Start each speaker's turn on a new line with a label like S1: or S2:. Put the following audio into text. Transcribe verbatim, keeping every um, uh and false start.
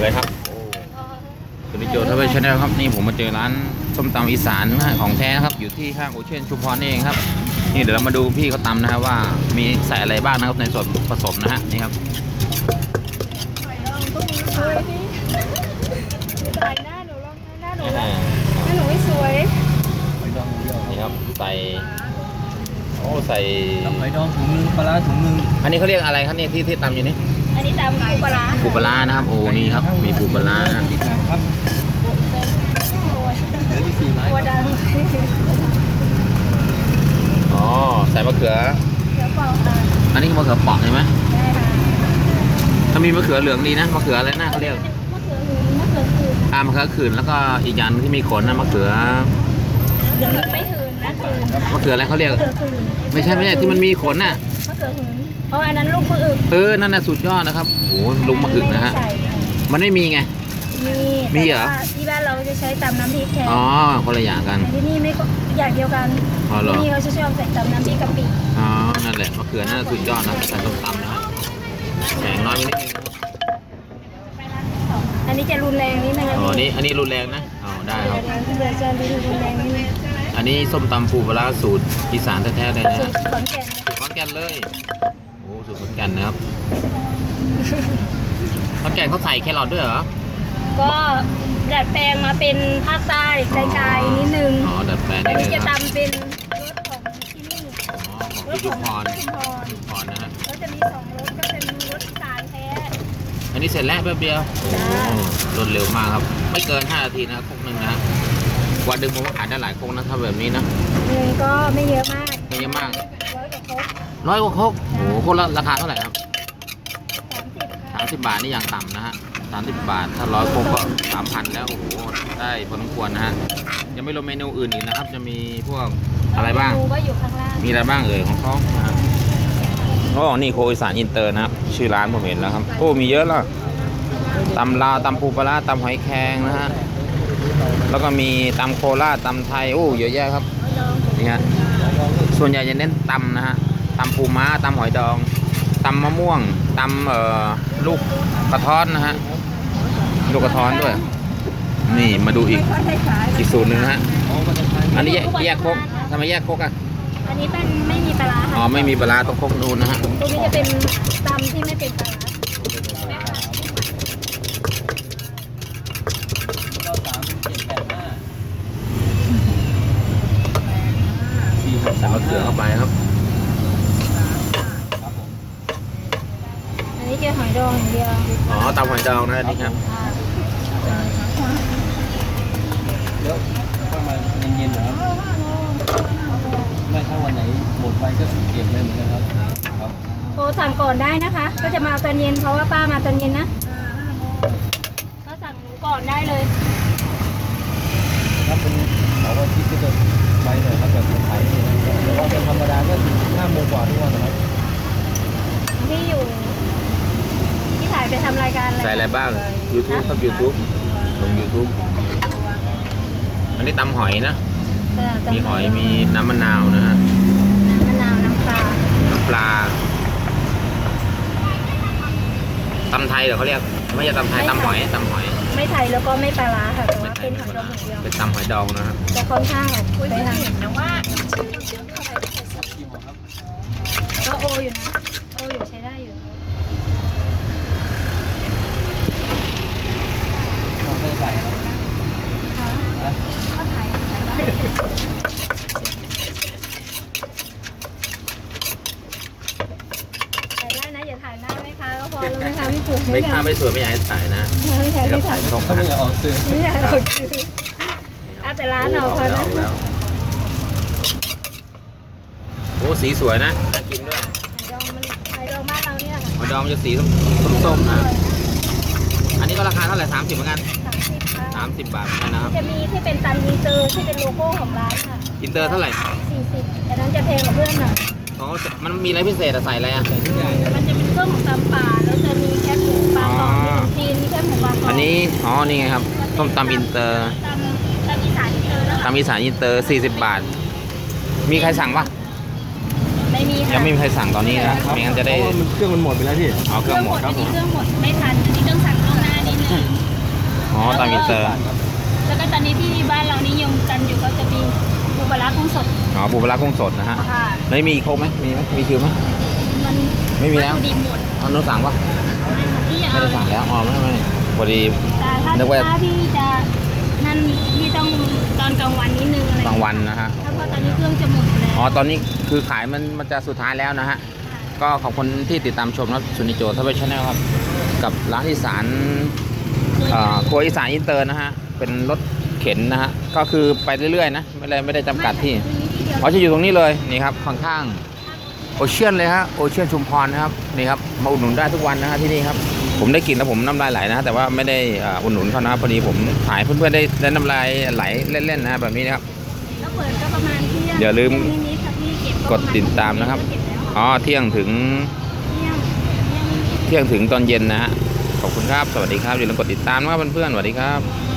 S1: เลยครับสวัสดีโจทวีชาแนลครับนี่ผมมาเจอร้านส้มตำอีสานของแท้นะครับอยู่ที่ข้างโอเชียนชุมพรนี่เองครับนี่เดี๋ยวเรามาดูพี่เขาตำนะครับว่ามีใส่อะไรบ้างนะครับในส่วนผสมนะฮะนี่ครับ
S2: ถ่ายหน้าหนูลองหน้าหนูหน้าหนูไม่สวย
S1: นี่ครับใส่โอ้ใส่
S3: ตำหอยดองถุงนึงปลาร้าถุงนึง
S1: อันนี้เขาเรียกอะไรครับเนี่ยที่ที่ตำอยู่นี่
S2: อันนี้ตำปูปลาร้า
S1: ปูปลาร้านะครับโอ้นี่ครับมีปูปลาร้านะ
S3: ที่สามครับเหลือที่สี่ไม้
S2: ตัวดัง
S1: อ๋อใส่มะเขือ
S2: เดี๋ยวเปล่าค่ะ
S1: อันนี้มะเขือเปราะใช่ไหม
S2: ได้ค่ะ
S1: ถ้ามีมะเขือเหลืองดีนะมะเขืออะไรนะเขาเรียก
S2: มะเขือหืนมะเขือหืน
S1: อ่ามะเขือขื่นแล้วก็อีกอย่างที่มีขนนะมะเขือ
S2: ไม่หืนนะหืน
S1: มะเขืออะไรเขาเรียก
S2: มะเขือหืน
S1: ไม่ใช่ไม่ใช่ที่มันมีขนน่ะ
S2: มะเขือหืนเพราะอันนั้นลูกมะอึก
S1: เออนั่นน่ะสุดยอดนะครับโอ้โหลุงมะอึกนะฮะ
S2: ใส่
S1: มันไม่มีไง
S2: มี
S1: มีเหรอ
S2: แต่ว่าที่บ้านเราจะใช้ตำน้ำพริกแทน
S1: อ๋อคนละอย่างกัน
S2: แต่ที่นี่ไม่ก็อย่างเดียวกัน
S1: อ๋อเหรอ
S2: ที่นี่เขาจะชอบใส่ตำน้ำพริกกะปิ
S1: อ๋อนั่นแหละมะเขือนั่นนะสุดยอดนะใส่ต้มตำนะฮะแสงน้อยไปนิดนึงนะครับ
S2: อันนี้จะรุนแรงนิดนึง
S1: อ๋อนี่อันนี้รุนแรงนะอ๋อได้ครับ
S2: เดี๋ยวจะรุนแรงนิดนึง
S1: อันนี้ส้มตำปูปลาร้าสูตรอีสานแท้ๆเลยนะ
S2: สู
S1: ฮะ
S2: ตรขอนแก่น
S1: สูตรขอนแก่นเลยโอ้สูตรขอนแก่นนะครับขอนแก่นเขาใส่แครอทด้วยเหรอ
S2: ก็ดัดแปลงมาเป็นภาคใต้ไกลๆนิดนึง
S1: อ๋อดัดแปลง
S2: อัน
S1: นิด
S2: นี้
S1: นึง
S2: จะ
S1: ครับ
S2: ตำเป็นรสของที่นี่
S1: อ๋อของพี่ชุมพร
S2: ชุมพร
S1: ชุมพรนะฮะ
S2: แล้วจะมีสองรสก็เป็นรสอีสานแท้
S1: อันนี้เสร็จแล้วแป๊บเดียวโอ้รวดเร็วมากครับไม่เกินห้านาทีนะครกหนึ่งนะวันหนึ่งผมก็ขายได้หลายครกนะถ้าแบบนี้นะ
S2: หนึ่งก็ไม่เยอะมาก
S1: ไม่เยอะมาก
S2: ร้อยกว่าครก
S1: ร้อยกว่าครกโอ้โหครกละราคาเท่าไหร่ครับ
S2: สามสิบค่ะ
S1: สามสิบบาทนี่อย่างต่ำนะฮะสามสิบบาทถ้าร้อยครกก็สามพันแล้วโอ้โหได้พอสมควรนะฮะยังไม่รวมเมนูอื่นอีกนะครับจะมีพวกอะไรบ้าง
S2: เมนูก็อยู่ข้างล่าง
S1: มีอะไรบ้างเอ่ยของเขานะฮะอ๋อนี่โคอีสานอินเตอร์นะครับชื่อร้านผมเห็นแล้วครับโอ้มีเยอะแล้วตำลาวตำปูปลาร้าตำหอยแครงนะฮะแล้วก็มีตำโคราชตำไทยโอ้เยอะแยะครับนี่ฮะส่วนใหญ่จะเน้นตำนะฮะตำปูม้าตำหอยดองตำมะม่วงตำเอ่อลูกกระท้อนนะฮะลูกกระท้อนด้วยนี่มาดูอีกอีกสูตรหนึ่งนะฮะอันนี้แยกแยกครกทำไมแยกครกอ่ะ
S2: อันนี้เป็นไม่มีปลาร้า
S1: อ๋อ
S2: ค่ะ
S1: ไม่มีปลาร้าต้องครกนูนนะฮะ
S2: ตัวนี้จะเป็นตำที่ไม่เป็นปลาร้า
S3: ก็สามเจ็ดแปดห้า
S1: ใส่มะเขือเข้าไปครับ
S2: อันนี้จะหอยดองอย่างเดียว
S1: อ๋อตำหอยดองนะนี่ครับ
S3: แล้วเข้ามาเย็นๆเหรอครับไม่ถ้าวันไหนหมดไปก็เก็บเลยเหมือนกันครับครับ
S2: โทรสั่งก่อนได้นะคะ ก็จะมาเอาตอนเย็นเพราะว่าป้ามาตอนเย็นนะก็สั่งหนูก่อนได้เลย
S3: ถ้าเป็นเสาร์อาทิตย์ก็จะไปหน่อยครับแบบขายแต่ว่าเป็นธรรมดาก็ถึงห้าโมงกว่าทุกวันนะครับ
S2: ที่อยู่ที่ถ่ายไปทำรายการอะไร
S1: ใส่อะไรบ้าง YouTube ครับ YouTube ลง YouTube อันนี้ตำหอยนะ
S2: เออ
S1: มีหอยมีน้ำมะนาวนะฮะ
S2: มะนาวน้ำปลา
S1: น้ำปลาตำไทยเหรอเขาเรียกไม่ใช่ตำไทยตำหอยตำหอย
S2: ไม่ไทยแล้วก็ไม่ปลาร้าค่ะแต่
S1: ไม่
S2: ว่า
S1: ไท
S2: เป็
S1: ย
S2: น
S1: ไม่
S2: หอย
S1: ป
S2: ด
S1: ลา
S2: องอย่างเดียว
S1: เป็นตำหอยดองนะฮะ
S2: จะค่อนข้างแบบไปทางก็โออยู่นะโออยู่ใช้ได้อยู่
S3: เราไม่ได้ใส่ครับ
S2: ก็ถ่ายถ่ายได้นะอย่าถ่ายหน้าแม่ค้าก็พอแล้วแม่ค้าไม่ถูก
S1: ไม่ค่าไม่สวยไม่อยากให้ถ่ายนะ
S2: ไม่ใช่
S1: เดี๋ยว
S2: ไม่
S1: ถ่า
S2: ถ่าย ย
S1: ไม่ต้อง
S3: ถ้า
S1: ถ่าย
S3: ไม่อยากออกสื่อ
S2: ไม่ใช่เราคือเอาแต่ร้านเราพอ
S1: แล้
S2: นะ
S1: วแล้วโอ้สีสวยนะน่ากินด้วย
S2: ดองมันไข่ดองบ้านเราเนี่ย
S1: หอยดองมันจะสีส้มๆนะ อันนี้ก็ราคาเท่าไหร่สามสิบเหมือนกัน
S2: สามสิบค่ะ
S1: สามสิบบาทเหมือนกันนะครับ
S2: จะมีที่เป็นตันอินเตอร์ที่เป็นโลโก้ของร้านค่ะ
S1: อินเตอร์เท่าไหร่
S2: สี่สิบแต่นั้นจะแพงกว่าเพื่อนหน่อย
S1: อ๋อมันมีอะไรพิเศษอะใส่อะไรอะ
S2: มันจะเป็นเครื่องของตำป่าแล้วจะมีแคบหมูปลากรอบมีขนมจีนมีแคบหมูปลากรอบ
S1: อันนี้ อ๋อ นี่ไงครับส้มตำอินเตอร์
S2: ตำตำอีสานอินเตอร์นะคะ
S1: ตำอีสานอินเตอร์สี่สิบบาท มีใครสั่งปะ
S2: ไม่มีค่ะ
S1: ยังไม่มีใครสั่งตอนนี้นะไม่งั้นจะได้
S3: เพราะว่ามันเครื่องมันหมดไปแล้วพี่
S1: เอาเครื่องหมด
S2: อันนี้เครื่องหมดไม่ทันอันนี้ต้องสั่งล่วงหน้านิดนึง
S1: เตอร์
S2: แล้วก็ตอนนี้ที่บ้านเรานิยมกันอยู่ก็จะมีปูปลาร้ากุ้งสด
S1: อ๋อปูปลาร้ากุ้งสดนะฮะ
S2: ค่ะ
S1: ไม่มีครบไหมมีไหมมีคิวไหม
S2: มัน
S1: ไม่มีแล้ว
S2: วัตถุดิบหมด
S1: เอาโน้ตสั่งปะ
S2: ที่
S1: ไม่
S2: เอา
S1: ได้สั่งแล้วอ๋อไม่ไม่พอดี
S2: แต่ถ้า
S1: นึกว่า
S2: ถ้าที่จะนั่นที่ต้องตอนกลางวันนิดนึงอะไร
S1: กลางวันนะฮะ
S2: ถ้าเพราะตอนนี้เครื่องจะหมดแล้ว
S1: อ๋อตอนนี้คือขายมันมันจะสุดท้ายแล้วนะฮะก็ขอบคุณที่ติดตามชมนะสุนิโจทัพเวชแนลครับกับร้านอีสานเอ่อครัวอีสานอินเตอร์นะฮะเป็นรถเข็นนะฮะก็คือไปเรื่อยๆนะไม่ได้ไม่ได้จำกัดที่ อ๋อจะอยู่ตรงนี้เลยนี่ครับข้างๆโอเชียนเลยฮะโอเชียนชุมพรนะครับนี่ครับมาอุดหนุนได้ทุกวันนะฮะที่นี่ครับผมได้กินแล้วผมน้ำลายไหลนะแต่ว่าไม่ได้อ่าอุดหนุนเขานะครับพอดีผมถ่ายเพื่อนๆได้ได้น้ำลายไหลเล่นๆนะฮะแบบนี้นะครับ
S2: แล้วเปิดก็ประมาณเที่ยง
S1: อย่าลืม
S2: นิดๆค่ะพี่เก็บ
S1: กดติดตามนะครับ
S2: เก็บแล้ว
S1: อ๋อเที่ยงถึง
S2: เที่ยงเที่ยงนิด
S1: เที่ยงถึงตอนเย็นนะฮะขอบคุณครับสวัสดีครับอย่าลืมกดติดตามนะครับเพื่อนๆสวัสดีครับ
S2: ๆ